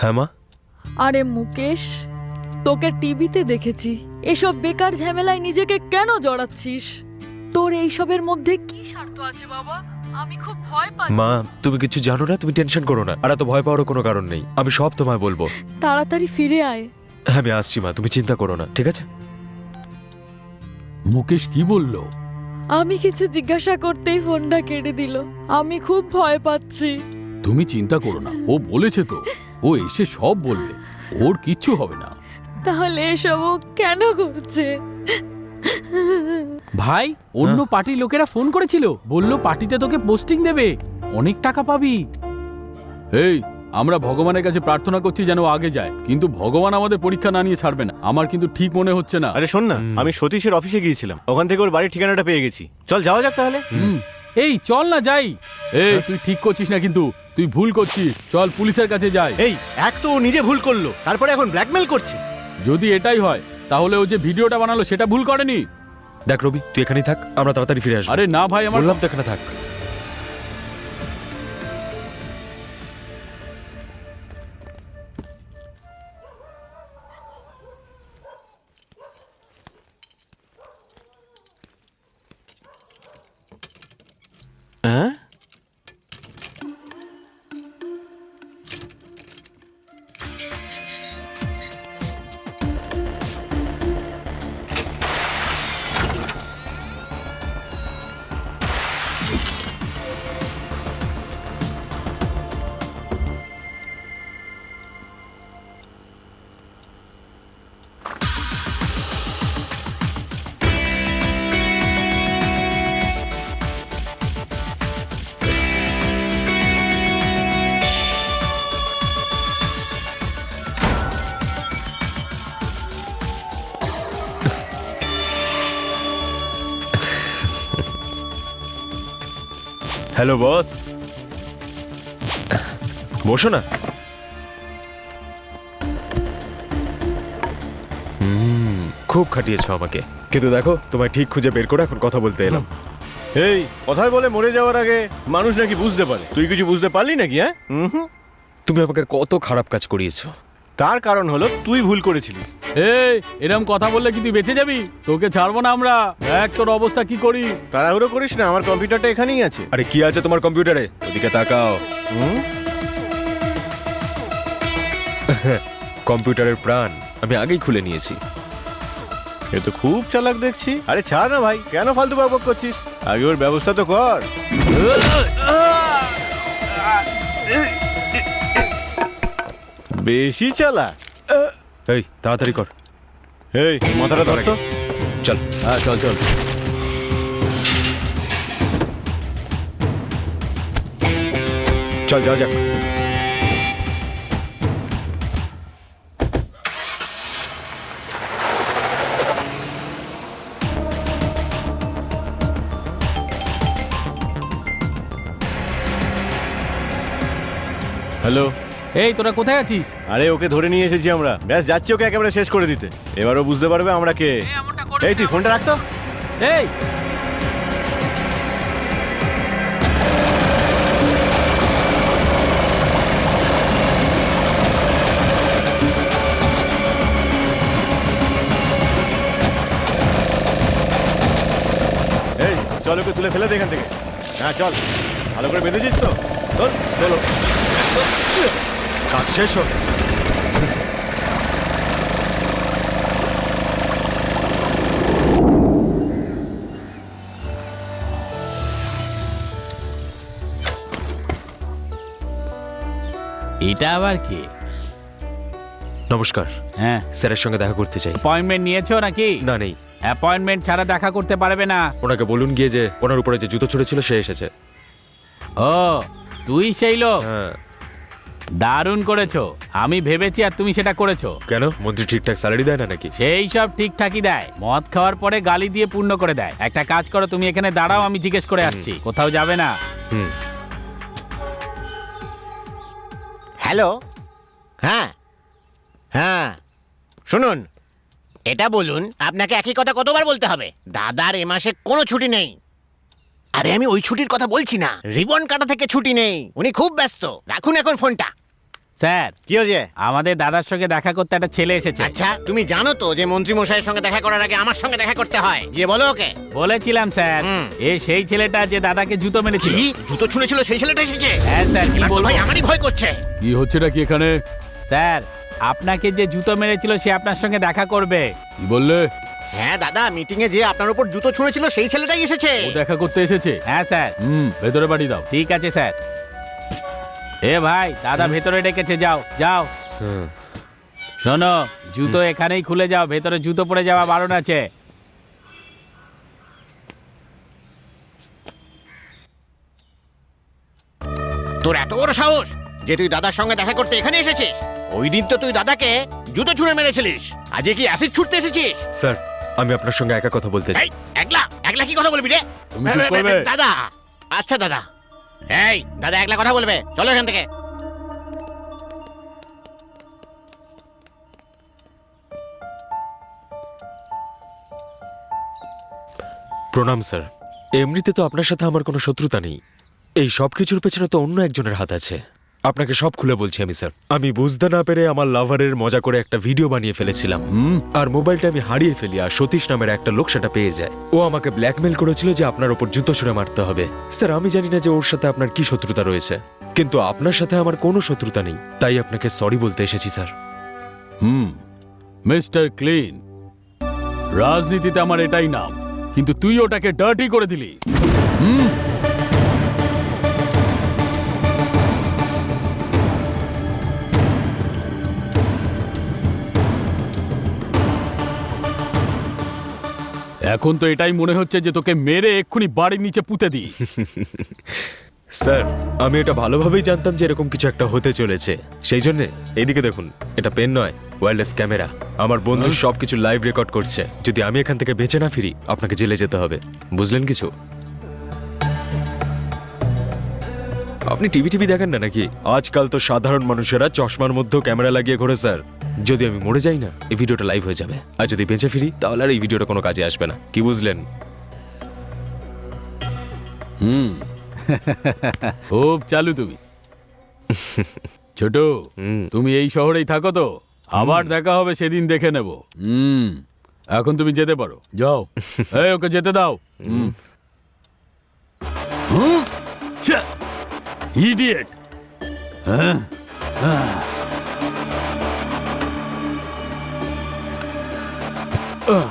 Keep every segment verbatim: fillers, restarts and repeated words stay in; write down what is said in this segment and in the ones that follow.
হ্যাঁ মা। আরে মুকেশ, তোকে টিভিতে দেখেছি, এসব বেকার ঝামেলায় নিজেকে কেন জড়াচ্ছিস? তোর এইসবের মধ্যে কি স্বার্থ আছে বাবা? আমি খুব ভয় পাই। মা তুমি কিছু জানো না, তুমি টেনশন করো না, আর এত ভয় পাওয়ার কোনো কারণ নেই, আমি সব তোমায় বলবো। তাড়াতাড়ি ফিরে আয়। হ্যাঁ আমি আসছি মা, তুমি চিন্তা করো না, ঠিক আছে? মুকেশ কি বলল? আমি কিছু জিজ্ঞাসা করতেই ফোনটা কেটে দিল। আমি খুব ভয় পাচ্ছি। তুমি চিন্তা করো না, ও বলেছে তো, ও এসে সব বলবে, ওর কিচ্ছু হবে না। তাহলে এসব ও কেন করছে? ভাই, অন্য পার্টির লোকেরা ফোন করেছিল, বলল পার্টিতে তোকে পোস্টিং দেবে, অনেক টাকা পাবি। এই, আমরা ভগবানের কাছে প্রার্থনা করছি যেন ও আগে যায়, কিন্তু ভগবান আমাদের পরীক্ষা না নিয়ে ছাড়বে না। আমার কিন্তু ঠিক মনে হচ্ছে না। আরে শোন না, আমি সতীশের অফিসে গিয়েছিলাম, ওখান থেকে ওর বাড়ির ঠিকানাটা পেয়ে গেছি। চল যাওয়া যাক তাহলে। হুম। এই চল না যাই। এই তুই ঠিক করছিস না, কিন্তু তুই ভুল করছিস। চল পুলিশের কাছে যাই। এই এক তো ও নিজে ভুল করলো, তারপরে এখন ব্ল্যাকমেল করছে। যদি এটাই হয় তাহলে ও যে ভিডিওটা বানালো সেটা ভুল করেনি। দেখ রবি, তুই এখানেই থাক, আমরা তাড়াতাড়ি ফিরে আসবো। আরে না ভাই, আমার বললাম তো এখানে থাক। হ্যাঁ, হ্যালো বস, বসো না। হুম, খুব খাটিয়েছো আমাকে, কিন্তু দেখো তোমায় ঠিক খুঁজে বের করে এখন কথা বলতে এলাম। এই কথায় বলে মরে যাওয়ার আগে মানুষ নাকি বুঝতে পারে, তুই কিছু বুঝতে পারলি নাকি? হ্যাঁ, হুম, তুমি আমাকে কত খারাপ কাজ করিয়েছো। তার কারণ হলো তুই ভুল করেছিলি। এই, এরকম কথা বললে কি তুই বেঁচে যাবি? তোকে ছাড়বো না আমরা। দেখ তোর অবস্থা কি করি। তাড়াহুড়ো করিস না, আমার কম্পিউটারটা এখানেই আছে। আরে কি আছে তোমার কম্পিউটারে? ওদিকে তাকাও। হুম, কম্পিউটারের প্রাণ আমি আগেই খুলে নিয়েছি। এ তো খুব চালাক দেখছি। আরে ছাড় না ভাই, কেন ফালতু বকবক করছিস? আগে ওর ব্যবস্থা তো কর। বেশি চালাক। এই তাড়াতাড়ি কর। এই মাথাটা ধর তো। চল। হ্যাঁ চল চল। চল যাওয়া যাক। হ্যালো। এই তোরা কোথায় আছিস? আরে ওকে ধরে নিয়ে এসেছি আমরা, ব্যাস যাচ্ছি ওকে একেবারে শেষ করে দিতে। এবারও বুঝতে পারবে আমরা কে। এই তুই ফোনটা রাখতো। এই এই চল ওকে তুলে ফেলে দে এখান থেকে। হ্যাঁ চল, ভালো করে বেঁধেছিস তো? চল চলো। কাজ শেষ হোক। এটা আবার কে? নমস্কার, হ্যাঁ, স্যারের সঙ্গে দেখা করতে চাই। অ্যাপয়েন্টমেন্ট নিয়েছো নাকি? না নেই। অ্যাপয়েন্টমেন্ট ছাড়া দেখা করতে পারবে না। ওনাকে বলুন গিয়ে যে ওনার উপরে যে জুতো ছড়েছিল সে এসেছে। ও, তুই সেই লোক? হ্যাঁ। দারুণ করেছো, আমি ভেবেছি আর তুমি সেটা করেছো। কেন, মন্ত্রী ঠিকঠাক স্যালারি দেয় না নাকি? সেই সব ঠিকঠাকই দেয়, মদ খাওয়ার পরে গালি দিয়ে পূর্ণ করে দেয়। একটা কাজ করো, তুমি এখানে দাঁড়াও, আমি জিজ্ঞেস করে আসছি। কোথাও যাবে না। হুম। হ্যালো, হ্যাঁ হ্যাঁ শুনুন, এটা বলুন, আপনাকে একই কথা কতবার বলতে হবে? দাদার এ মাসে কোনো ছুটি নেই। আরে আমি ওই ছুটির কথা বলছি না, রিবন কাটা থেকে ছুটি নেই। উনি খুব ব্যস্ত। রাখুন এখন ফোনটা। স্যার কি হয়েছে? আমাদের দাদার সঙ্গে দেখা করতে একটা ছেলে এসেছে। আচ্ছা, তুমি জানো তো যে মন্ত্রী মশাইয়ের সঙ্গে দেখা করার আগে আমার সঙ্গে দেখা করতে হয়। গিয়ে বলো ওকে। বলেছিলাম স্যার, হুম। এ সেই ছেলেটা যে দাদাকে জুতো মেরেছিল। কি জুতো ছুঁড়েছিল সেই ছেলেটা এসেছে? হ্যাঁ স্যার, কি এবার তো বলবো? ভাই আমারই ভয় করছে। কি হচ্ছেটা কি এখানে? স্যার, আপনাকে যে জুতো মেরেছিল সে আপনার সঙ্গে দেখা করবে। কি বললে? হ্যাঁ দাদা, মিটিং এ যে আপনার উপর জুতো ছুঁড়েছিল সেই ছেলেটাই এসেছে। ও দেখা করতে এসেছে? হ্যাঁ স্যার। হুম, ভেতরে পাঠিয়ে দাও। ঠিক আছে স্যার। এ ভাই, দাদা ভেতরে ডেকেছে, যাও যাও। হুম। শোনো, জুতো এখানেই খুলে যাও, ভেতরে জুতো পরে যাওয়া বারণ আছে। তোর এত বড় সাহস যে তুই দাদার সঙ্গে দেখা করতে এখানে এসেছিস? ওই দিন তো তুই দাদাকে জুতো ছুঁড়ে মেরেছিলিস, আজকে কি অ্যাসিড ছুটতে এসেছিস? স্যার, আমি আপনার সঙ্গে একা কথা বলতে চাই। এই একলা একলা কি কথা বলবি রে? তুমি চুপ করবে? দাদা, আচ্ছা দাদা। এই দাদা একলা কথা বলবে, চলো এখান থেকে। প্রণাম স্যার। এমনিতে তো আপনার সাথে আমার কোনো শত্রুতা নেই। এই সব কিছুর পেছনে তো অন্য একজনের হাত আছে। আপনাকে সব খুলে বলছি আমি স্যার। আমি বুঝতে না পেরে আমার লাভারের মজা করে একটা ভিডিও বানিয়ে ফেলেছিলাম। হুম, আর মোবাইলটা আমি হারিয়ে ফেলি, আর সতীশ নামের একটা লোক সেটা পেয়ে যায়। ও আমাকে ব্ল্যাকমেল করেছিল যে আপনার ওপর জুতো ছুঁড়ে মারতে হবে। স্যার, আমি জানি না যে ওর সাথে আপনার কি শত্রুতা রয়েছে, কিন্তু আপনার সাথে আমার কোনো শত্রুতা নেই, তাই আপনাকে সরি বলতে এসেছি স্যার। হুম, মিস্টার ক্লিন। রাজনীতিতে আমার এটাই নাম, কিন্তু তুই ওটাকে ডার্টি করে দিলি। হুম, এখন তো এটাই মনে হচ্ছে যে তোকে মেরে এক্ষুনি বাড়ির নিচে পুঁতে দিই। স্যার, আমি এটা ভালোভাবেই জানতাম যে এরকম কিছু একটা হতে চলেছে, সেই জন্য এইদিকে দেখুন, এটা পেন নয়, ওয়্যারলেস ক্যামেরা। আমার বন্ধু সবকিছু লাইভ রেকর্ড করছে। যদি আমি এখান থেকে বেঁচে না ফিরি, আপনাকে জেলে যেতে হবে, বুঝলেন কিছু? আপনি টিভি টিভি দেখেন না নাকি? আজকাল তো সাধারণ মানুষেরা চশমার মধ্যেও ক্যামেরা লাগিয়ে ঘোরে স্যার। যদি আমি মরে যাই না, এই ভিডিওটা লাইভ হয়ে যাবে, আর যদি বেঁচে ফিরি তাহলে আর এই ভিডিওটা কোনো কাজে আসবে না, কি বুঝলেন? হুম, খুব চালু তুমি। ছোট, হুম। তুমি এই শহরেই থাকো তো? আবার দেখা হবে সেদিন, দেখে নেব। হুম, এখন তুমি যেতে পারো, যাও। এই, ওকে যেতে দাও। হুম। হুম, ছ্যা, ইডিয়েট। হ্যাঁ, হ্যাঁ। আহ,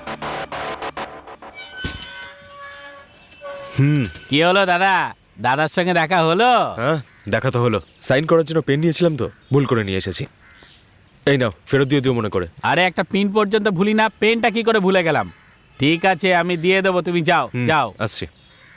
কি হলো দাদা, দাদার সঙ্গে দেখা হলো? হ্যাঁ, দেখা তো হলো। সাইন করার জন্য পেন নিয়েছিলাম তো, ভুল করে নিয়ে এসেছি। এই নাও, ফেরত দিয়ে দিও মনে করে। আরে একটা পিন পর্যন্ত ভুলি না, পেনটা কি করে ভুলে গেলাম? ঠিক আছে, আমি দিয়ে দেবো, তুমি যাও হুম, যাও। আসছি।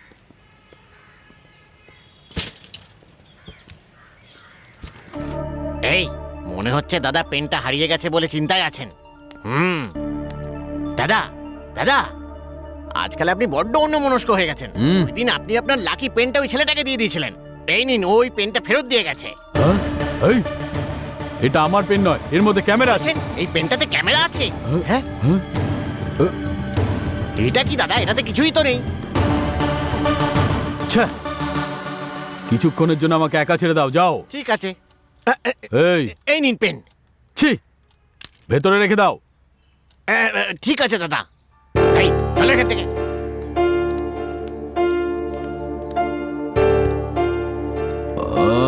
এই মনে হচ্ছে দাদা পেনটা হারিয়ে গেছে বলে চিন্তায় আছেন। হুম দাদা, দাদা আজকাল আপনি বড্ড অন্যমনস্ক হয়ে গেছেন। হুম। ওই দিন আপনি আপনার লাকি পেনটা ওই ছেলেটাকে দিয়ে দিয়েছিলেন। এই নিন, ওই পেনটা ফেরত দিয়ে গেছে। হ্যাঁ? এই, এটা আমার পেন নয়, এর মধ্যে ক্যামেরা আছে। আছেন, এই পেনটাতে ক্যামেরা আছে। হ্যাঁ? হ্যাঁ, হ্যাঁ? এটা কি দাদা? এটাতে কিছুই তো নেই। ছ্যা, কিছুক্ষণের জন্য আমাকে একা ছেড়ে দাও, যাও। ঠিক আছে, আ, আ, এই, এই নিন পেন। ছি, ভেতরে রেখে দাও। আ, আ, ঠিক আছে দাদা। এই চলো এখান থেকে। আহ